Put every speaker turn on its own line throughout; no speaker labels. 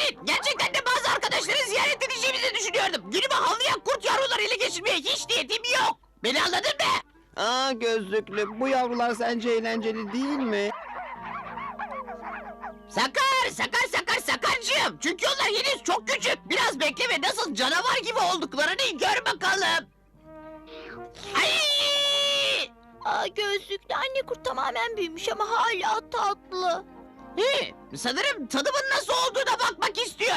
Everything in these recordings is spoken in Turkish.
Evet, gerçekten de bazı arkadaşları ziyaret edeceğimizi düşünüyordum. Günümü havlayan kurt yavruları ele geçirmeye hiç niyetim yok. Beni anladın mı?
Aa gözlüklü, bu yavrular sence eğlenceli değil mi?
Sakarcığım. Çünkü onlar henüz çok küçük. Biraz bekle ve nasıl canavar gibi olduklarını gör bakalım. Ay!
Gözlüklü anne kurt tamamen büyümüş ama hala tatlı.
Sanırım tadımın nasıl olduğuna bakmak istiyor.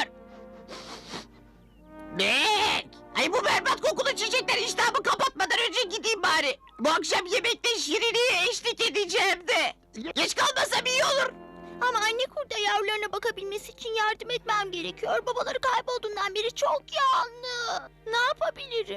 Bek! Ay bu berbat kokulu çiçekler iştahımı kapatmadan önce gideyim bari. Bu akşam yemekte Şirine'ye eşlik edeceğim de. Geç kalmasam iyi olur.
Ama anne kurda yavrularına bakabilmesi için yardım etmem gerekiyor. Babaları kaybolduğundan beri çok yalnız. Ne yapabilirim?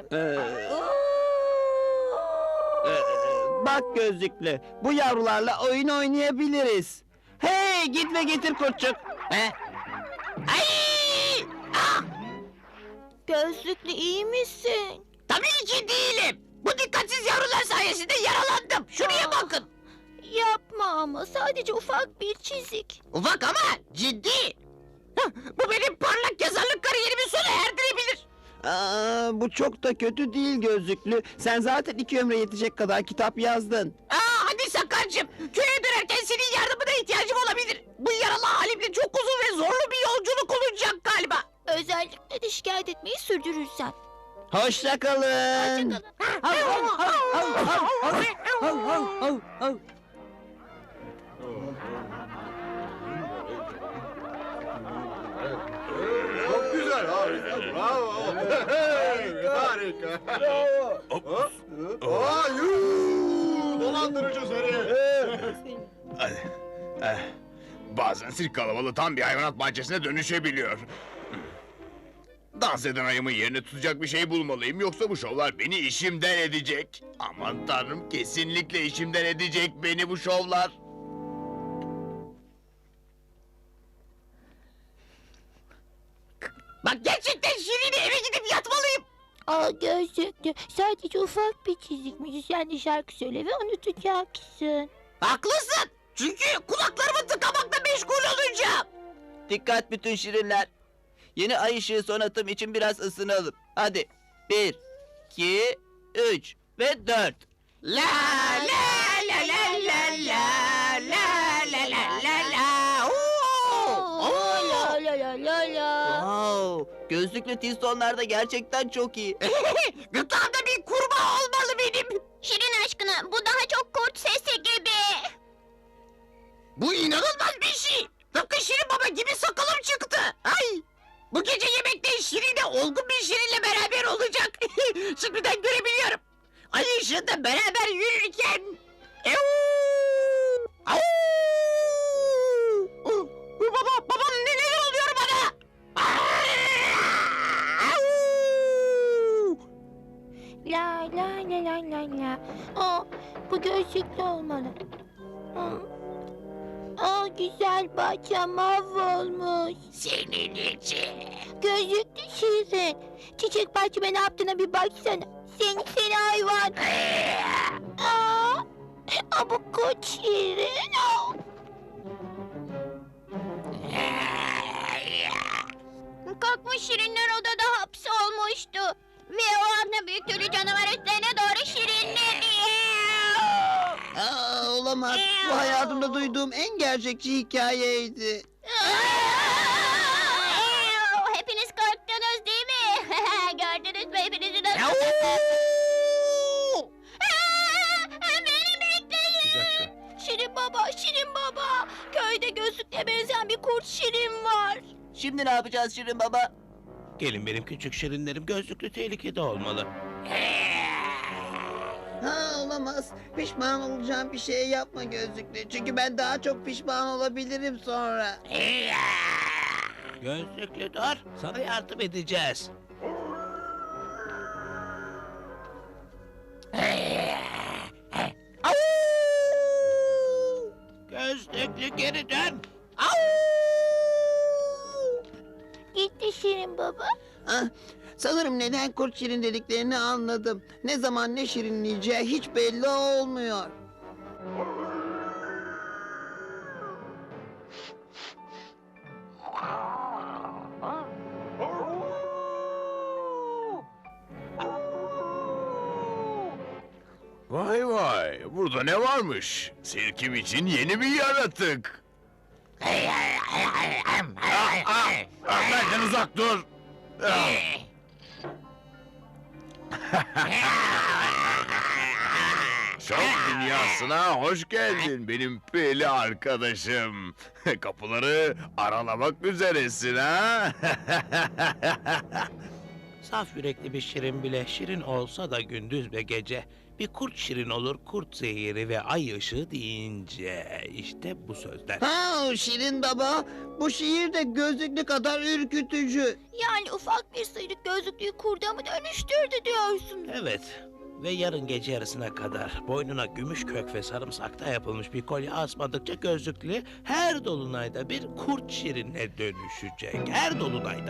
Bak gözlüklü, bu yavrularla oyun oynayabiliriz. Hey, git ve getir kurtçuk.
He? Ay! Ah!
Gözlüklü iyi misin?
Tabii ki değilim. Bu dikkatsiz yavrular sayesinde yaralandım. Şuraya bakın.
Yapma ama sadece ufak bir çizik.
Ufak ama ciddi. Bu benim parlak yazarlık kariyerimi sona erdirebilir.
Bu çok da kötü değil gözlüklü. Sen zaten 2 ömre yetecek kadar kitap yazdın.
Hadi Sakarcığım. Köye dönerken senin yardımına ihtiyacım olabilir. Bu yaralı halimle çok uzun ve zorlu bir yolculuk olacak galiba.
Özellikle de şikayet etmeyi sürdürürsen.
Hoşça kalın.
Çok güzel, harika, bravo. Harika. Bravo. Dolandırıcı seni.
Bazen sirk kalabalığı tam bir hayvanat bahçesine dönüşebiliyor. Dans eden ayımın yerini tutacak bir şey bulmalıyım, yoksa bu şovlar beni işimden edecek. Aman tanrım, kesinlikle işimden edecek beni bu şovlar.
Bak gerçekten Şirin'e eve gidip yatmalıyım.
Gözlüklü sadece ufak bir çizik. Müzisyen de şarkı söyle ve unutacaksın.
Haklısın. Çünkü kulaklarımı tıkamakla meşgul olacağım.
Dikkat bütün şirinler. Yeni ay ışığı sonatım için biraz ısınalım. Hadi. 1, 2, 3 ve 4.
La la la la la la la la la la la. Oo!
La la la la la.
Wow, gözlüklü tistonlar da gerçekten çok iyi.
Gırtlağımda bir kurbağa olmalı benim.
Şirin aşkına bu daha çok kurt sesi gibi.
Bu inanılmaz bir şey. Tıpkı Şirin Baba gibi sakalım çıktı. Ay! Bu gece yemekte Şirin'e olgun bir Şirin'le beraber olacak. Şimdiden görebiliyorum. Ay ışığında beraber yürürken... Au! Babam neler oluyor bana? Au!
La la la la la la. Bu gözlüklü olmalı. Güzel bahçem mahvolmuş.
Senin için.
Gözlüklü Şirin. Çiçek bahçeme ne yaptığına bir baksana. Seni hayvan. Bu kurt Şirin. Kalkmış Şirinler odada hapsolmuştu. Ve o anda büyük tüylü canavar üstlerine doğru şirinledi.
Olamaz. Bu hayatımda duyduğum en gerçekçi hikayeydi.
Hepiniz korktunuz değil mi? Gördünüz mü hepinizin
Au!
Beni bekleyin. Şirin baba. Köyde gözlüklüye benzeyen bir kurt Şirin var.
Şimdi ne yapacağız Şirin Baba?
Gelin benim küçük şirinlerim, gözlüklü tehlikede olmalı.
Olamaz. Pişman olacağım bir şey yapma gözlüklü. Çünkü ben daha çok pişman olabilirim sonra.
Gözlüklü dur, sana yardım edeceğiz. Gözlüklü geri dön.
Gitti Şirin baba.
Sanırım neden kurt şirin dediklerini anladım. Ne zaman ne şirinleyeceği hiç belli olmuyor.
burada ne varmış? Sirkim için yeni bir yaratık. Benden uzak dur. Şok dünyasına hoş geldin benim peli arkadaşım. Kapıları aralamak üzeresin ha?
Saf yürekli bir şirin bile şirin olsa da gündüz ve gece bir kurt şirin olur kurt zehiri ve ay ışığı deyince işte bu sözler.
Ha Şirin Baba, bu şiir de gözlüklü kadar ürkütücü.
Yani ufak bir sıyrık gözlüklüyü kurda mı dönüştürdü diyorsun?
Evet ve yarın gece yarısına kadar boynuna gümüş kök ve sarımsakta yapılmış bir kolye asmadıkça gözlüklü her dolunayda bir kurt şirine dönüşecek. Her dolunayda.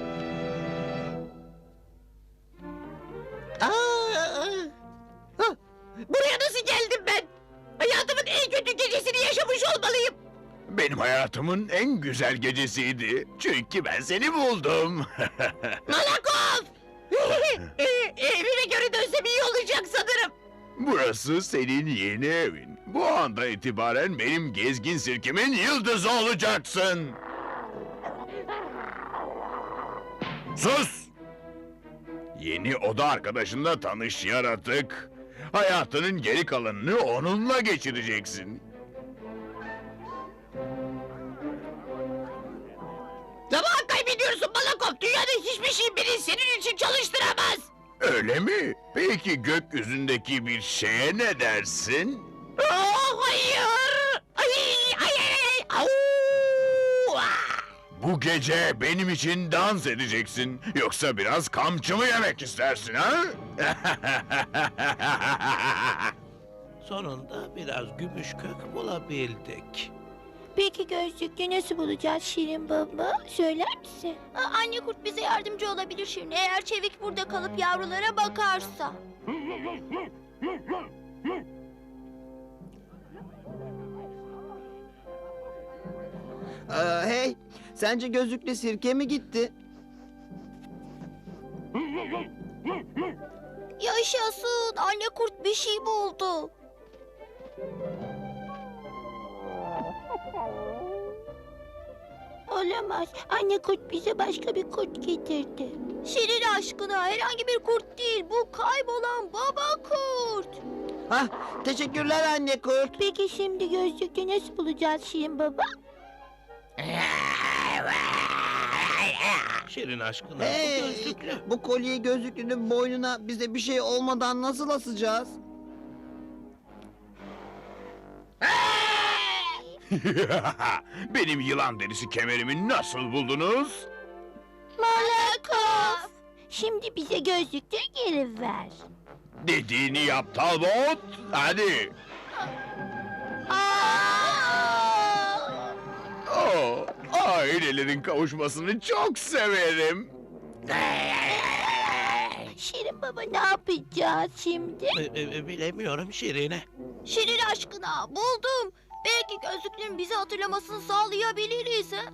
Buraya nasıl geldim ben? Hayatımın en kötü gecesini yaşamış olmalıyım.
Benim hayatımın en güzel gecesiydi. Çünkü ben seni buldum.
Malakov! Evime göre dönsem iyi olacak sanırım.
Burası senin yeni evin. Bu anda itibaren benim gezgin sirkimin yıldızı olacaksın. Sus! Yeni oda arkadaşınla tanış yaratık. Hayatının geri kalanını onunla geçireceksin.
Zaman kaybediyorsun Malakov. Dünyada hiçbir şey beni senin için çalıştıramaz.
Öyle mi? Peki gökyüzündeki bir şeye ne dersin?
Oh, hayır. Ay, ay, ay, ay. Au! Ah!
Bu gece benim için dans edeceksin. Yoksa biraz kamçı mı yemek istersin ha?
Sonunda biraz gümüş kök bulabildik.
Peki gözlüklüyü nasıl bulacağız Şirin Baba? Söyler misin? Anne kurt bize yardımcı olabilir Şirin. Eğer Çevik burada kalıp yavrulara bakarsa.
Hey, sence gözlüklü sirke mi gitti?
Yaşasın. Anne kurt bir şey buldu. Olamaz. Anne kurt bize başka bir kurt getirdi. Şirin aşkına herhangi bir kurt değil. Bu kaybolan baba kurt.
Hah, teşekkürler anne kurt.
Peki şimdi gözlüklü nasıl bulacağız Şirin Baba?
Şirin aşkına bu
Hey,
gözlüklü.
bu kolyeyi gözlüklünün boynuna bize bir şey olmadan nasıl asacağız?
Benim yılan derisi kemerimi nasıl buldunuz?
Malakov. Şimdi bize gözlüklü geri ver.
Dediğini yap Talbot. Hadi. Oh, ailelerin kavuşmasını çok severim.
Şirin Baba ne yapacağız şimdi?
Bilemiyorum Şirine.
Şirin aşkına buldum. Belki gözlüklünün bizi hatırlamasını sağlayabiliriz. Ha?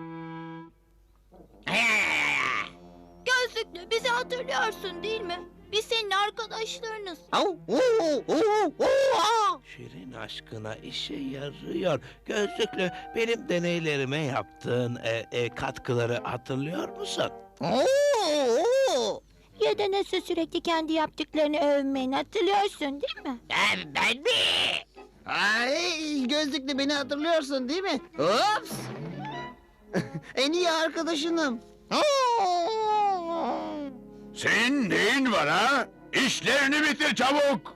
Gözlüklü bizi hatırlıyorsun değil mi? Biz senin arkadaşlarınız.
Şirin aşkına işe yarıyor. Gözlüklü benim deneylerime yaptığın katkıları hatırlıyor musun?
Ya da nasıl sürekli kendi yaptıklarını övmeni hatırlıyorsun değil mi?
Ben mi?
Ay, gözlüklü beni hatırlıyorsun değil mi? Ops! En iyi arkadaşınım.
Senin neyin var ha? İşlerini bitir çabuk.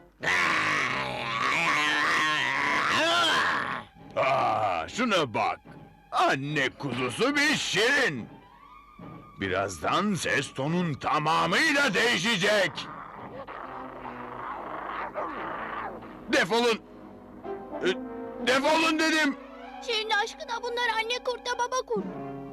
Şuna bak. Anne kuzusu bir şirin. Birazdan ses tonun tamamıyla değişecek. Defolun. Defolun dedim.
Şirin aşkına bunlar anne kurtla baba kurt.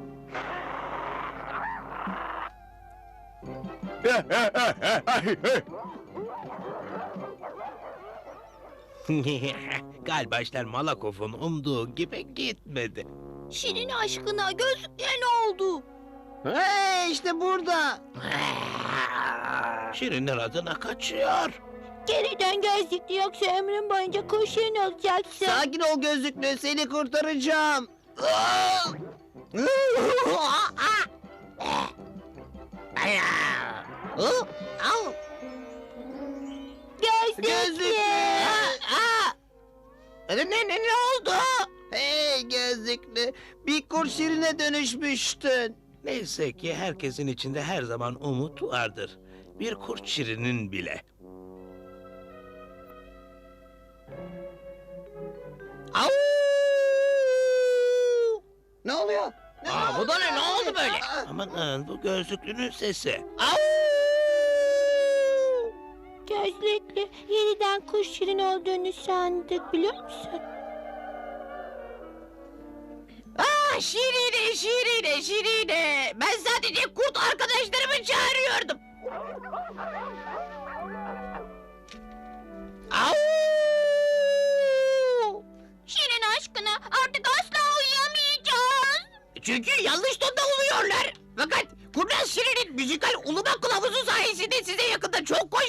Galiba işler Malakov'un umduğu gibi gitmedi.
Şirin aşkına gözlüklüye ne oldu?
Hey, işte burada.
Şirinler adına kaçıyor.
Geri dön gözlüklü yoksa ömrün boyunca kuş şirin olacaksın.
Sakin ol gözlüklü, seni kurtaracağım.
Gözlüklü.
Ne oldu? Hey gözlüklü, bir kurt şirine dönüşmüştün.
Neyse ki herkesin içinde her zaman umut vardır. Bir kurt şirinin bile.
Ne oluyor?
Aa, bu da ne oldu böyle?
Aman bu gözlüklünün sesi.
Gözlüklü yeniden kuş şirin olduğunu sandık biliyor musun?
Şirine, Şirine, Şirine. Ben sadece kurt arkadaşlarımı çağırıyordum.
Şirin aşkına artık asla uyuyamayacağız.
Çünkü yanlış tonda uluyorlar. Fakat Kurnaz Şirin'in müzikal uluma kılavuzu sayesinde size yakında çok